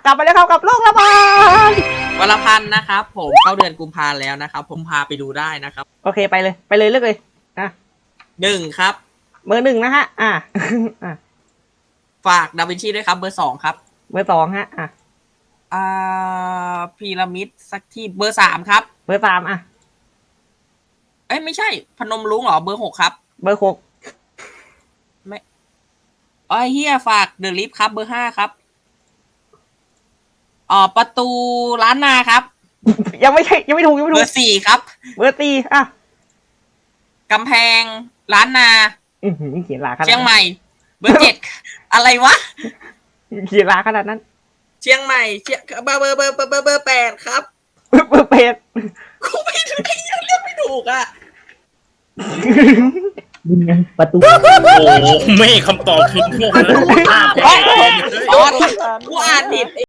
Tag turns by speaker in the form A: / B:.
A: กลับไปแล้วครับกับโรคระบาด
B: วันละพันนะครับผมเข้าเดือนกุมภาแล้วนะครับผมพาไปดูได้นะครับ
A: โอเคไปเลยเลือกเลยอ่ะ
B: 1ครับ
A: เบอร์ 1นะฮะอ่ะ
B: ฝากดาวินชีด้วยครับเบอร์ 2ครับ
A: เบอร์ 2ฮะ
B: พีระมิดสักที่เบอร์ 3ครับ
A: เบอร์ 3
B: เอ้ยไม่ใช่พนมรุ้งเหรอเบอร์ 6ครับ
A: เบอร์ 6
B: เฮียฝากเดอะลิฟครับเบอร์ 5ครับประตูร้านนาครับ
A: ยังไม่ถูก
B: เบอร์ 4ครับ
A: เบอร์ 4อ่ะ
B: กำแพงร้านนา
A: เขียนลาขนาด
B: เชียงใหม่ เบอร์ 7อะไรวะ
A: เขียนลาขนาดนั้น
B: เชียงใหม่เบอร์ 8ครับ
A: เบอร์ 8
B: กูไม่รู้ไอ้เหี้ยเรียกไม่ถูกอ่ะ
C: นี่ไงประตู
D: โอ้ไม่คำตอบคือพวกนั้น
B: กูอ่านผิด